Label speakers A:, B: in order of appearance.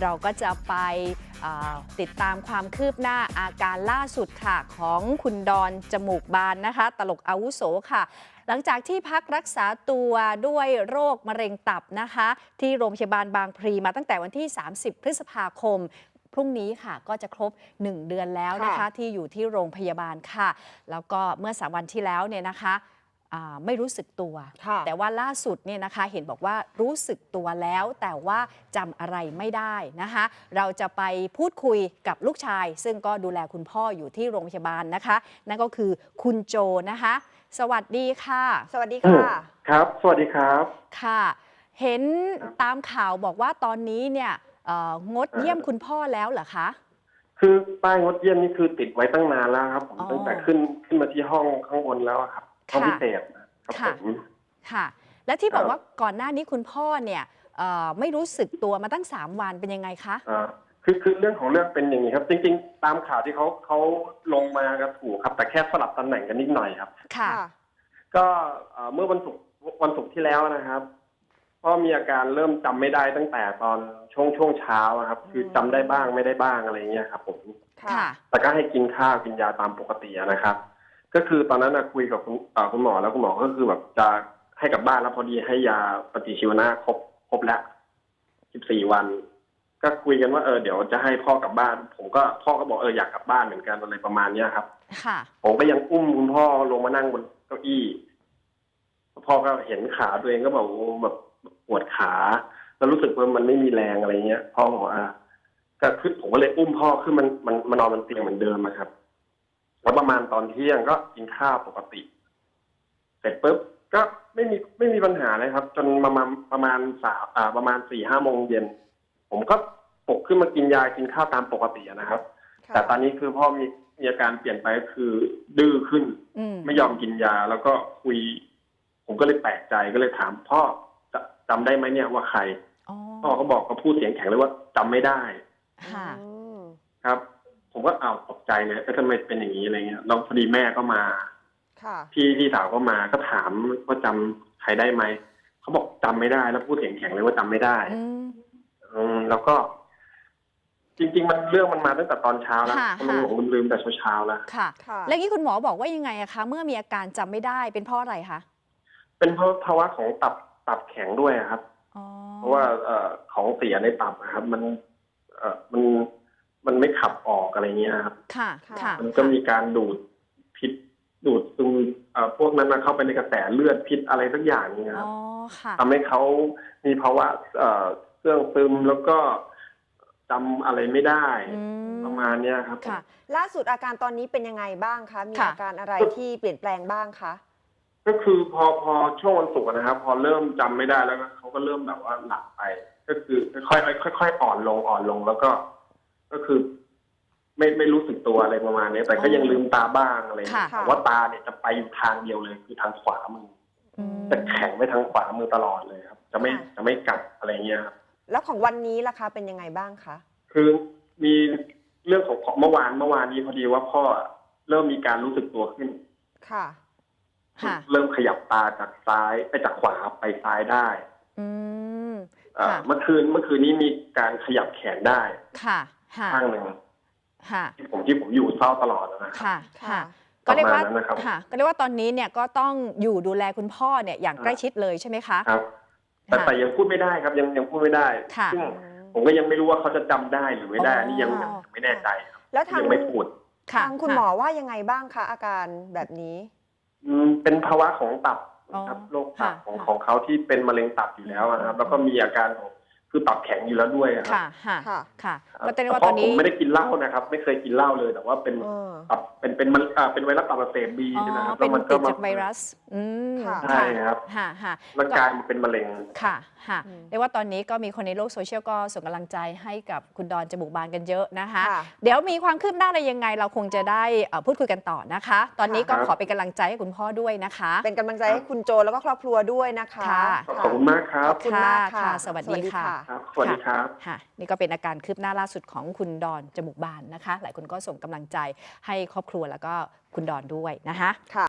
A: เราก็จะไปติดตามความคืบหน้าอาการล่าสุดค่ะของคุณดอนจมูกบานนะคะตลกอาวุโสค่ะหลังจากที่พักรักษาตัวด้วยโรคมะเร็งตับนะคะที่โรงพยาบาลบางพลีมาตั้งแต่วันที่30 พฤษภาคมพรุ่งนี้ค่ะก็จะครบ1 เดือนแล้วนะคะที่อยู่ที่โรงพยาบาลค่ะแล้วก็เมื่อ3 วันที่แล้วเนี่ยนะคะไม่รู้สึกตัวแต่ว่าล่าสุดเนี่ยนะคะเห็นบอกว่ารู้สึกตัวแล้วแต่ว่าจำอะไรไม่ได้นะคะเราจะไปพูดคุยกับลูกชายซึ่งก็ดูแลคุณพ่ออยู่ที่โรงพยาบาลนะคะนั่นก็คือคุณโจนะคะสวัสดีค่ะสวัสดีค่ะ
B: ครับสวัสดีครับ
A: ค่ะเห็นตามข่าวบอกว่าตอนนี้เนี่ยงดเยี่ยมคุณพ่อแล้วเหรอคะ
B: คือป้ายงดเยี่ยมนี่คือติดไว้ตั้งนานแล้วครับผมตั้งแต่ขึ้นมาที่ห้องข้างบนแล้วครับห้องพิเศษครับผม
A: ค่ะและที่บอกว่าก่อนหน้านี้คุณพ่อเนี่ยไม่รู้สึกตัวมาตั้ง3 วันเป็นยังไงคะ
B: คือเรื่องของเรื่องเป็นอย่างนี้ครับจริงๆตามข่าวที่เขาลงมาก็ถูกครับแต่แค่สลับตำแหน่งกันนิดหน่อยครับ
A: ค่ะ
B: ก็เมื่อวันศุกร์ที่แล้วนะครับพ่อมีอาการเริ่มจำไม่ได้ตั้งแต่ตอนช่วงเช้าครับคือจำได้บ้างไม่ได้บ้างอะไรเงี้ยครับผม
A: ค่ะ
B: แต่ก็ให้กินข้าวกินยาตามปกตินะครับก็คือตอนนั้นคุยกับคุณหมอแล้วคุณหมอก็คือแบบจะให้กลับบ้านแล้วพอดีให้ยาปฏิชีวนะครบแล้ว14 วันก็คุยกันว่าเดี๋ยวจะให้พ่อกลับบ้านพ่อก็บอกอยากกลับบ้านเหมือนกันอะไรประมาณนี้ครับ
A: ค่ะ
B: ผมก็ยังอุ้มคุณพ่อลงมานั่งบนเก้าอี้พ่อก็เห็นขาตัวเองก็บอกแบบปวดขาแล้วรู้สึกว่ามันไม่มีแรงอะไรเงี้ยพ่อบอกก็คือผมก็เลยอุ้มพ่อขึ้นมันนอนบนเตียงเหมือนเดิมครับแล้วประมาณตอนเที่ยงก็กินข้าวปกติเสร็จปุ๊บก็ไม่มีปัญหาเลยครับจนประมาณ4-5 โมงเย็นผมก็ปลุกขึ้นมากินยากินข้าวตามปกตินะครับแต่ตอนนี้คือพ่อมีอาการเปลี่ยนไปก็คือดื้อขึ้นไม่ยอมกินยาแล้วก็คุยผมก็เลยแปลกใจก็เลยถามพ่อจำได้ไหมเนี่ยว่าใครพ่อก็บอกก็พูดเสียงแข็งเลยว่าจำไม่ได้ครับผมก็ตกใจเลยทำไมเป็นอย่างนี้อะไรเงี้ยแล้วพอดีแม่ก็มาพี่สาวก็มาก็ถามว่าจำใครได้ไหมเขาบอกจำไม่ได้แล้วพูดเสียงแข็งเลยว่าจำไม่ได้แล้วก็จริงๆเรื่องมันมาตั้งแต่ตอนเช้าแล้วมันหลงลืมแต่เช้าแล้ว
A: ค่ะแล้วนี่คุณหมอบอกว่ายังไงอะคะเมื่อมีอาการจำไม่ได้เป็นเพราะอะไรคะ
B: เป็นเพราะภาวะของตับแข็งด้วยครับเพราะว่าของเสียในตับนะครับมันไม่ขับออกอะไรเงี้ยครับ
A: ค่ะ
B: มันก็มีการดูดพิษดูดซึมพวกนั้นมาเข้าไปในกระแสเลือดพิษอะไรสักอย่างนี้ครับทำให้เขามีภาวะเครื่องซึมแล้วก็จำอะไรไม่ได้ประมาณนี้ครับ
C: ค่ะล่าสุดอาการตอนนี้เป็นยังไงบ้างคะมีอาการอะไรที่เปลี่ยนแปลงบ้างคะ
B: ก็คือพอช่วงวันศุกร์นะครับพอเริ่มจำไม่ได้แล้วเขาก็เริ่มแบบว่าหลับไปก็คือค่อยอ่อนลงแล้วก็คือไม่รู้สึกตัวอะไรประมาณนี้แต่ก็ยังลืมตาบ้างอะไรแต่ว่าตาเนี่ยจะไปทางเดียวเลยคือทางขวามือจะแข็งไปทางขวามือตลอดเลยครับจะไม่กลับอะไรเงี้ยครับ
C: แล้วของวันนี้ล่ะคะเป็นยังไงบ้างคะ
B: คือมีเรื่องของเมื่อวานนี้พอดีว่าพ่อเริ่มมีการรู้สึกตัวขึ้น
C: ค่ะ
B: เริ่มขยับตาจากซ้ายไปจากขวาไปซ้ายได้เมื่อคืนนี้มีการขยับแขนได้ข้างหนึ่งที่ผมอยู่เศร้าตลอดนะครับ
A: ก็เรียกว่าตอนนี้เนี่ยก็ต้องอยู่ดูแลคุณพ่อเนี่ยอย่างใกล้ชิดเลยใช่ไหมคะ
B: ครับแต่ยังพูดไม่ได้ครับยังพูดไม่ได้ซึ่งผมก็ยังไม่รู้ว่าเขาจะจำได้หรือไม่ได้นี่ยังไม่แน่ใจครับ
C: แล้ว
B: ยังไม่พูด
C: ทางคุณหมอว่ายังไงบ้างคะอาการแบบนี้
B: เป็นภาวะของตับครับโรคตับของเขาที่เป็นมะเร็งตับอยู่แล้วนะครับแล้วก็มีอาการของคือตับแข็งอยู่แล้วด้วยครับ
A: ค่ะก็แสดงว่าตอนนี้
B: ผมไม่ได้กินเหล้านะครับไม่เคยกินเหล้าเลยแต่ว่าเป็นตับเป็นไวรัสตับอักเสบบีนะครับ
A: เป็นติดจากไวรัส
B: ใช่ครับร่างกายมันเป็นมะเร็ง
A: ค่ะเรียกว่าตอนนี้ก็มีคนในโลกโซเชียลก็ส่งกำลังใจให้กับคุณดอนจมูกบานกันเยอะนะคะเดี๋ยวมีความคืบหน้าอะไรยังไงเราคงจะได้พูดคุยกันต่อนะคะตอนนี้ก็ขอเป็นกำลังใจให้คุณพ่อด้วยนะคะ
C: เป็นกำลังใจให้คุณโจแล้วก็ครอบครัวด้วยนะคะ
B: ขอบคุณมากครับ
C: ขอบคุณมากค่ะ
A: สวัสดีค่ะ
B: สวัสดีครับ
A: นี่ก็เป็นอาการคืบหน้าล่าสุดของคุณดอนจมูกบานนะคะหลายคนก็ส่งกำลังใจให้ครอบครัวแล้วก็คุณดอนด้วยนะคะ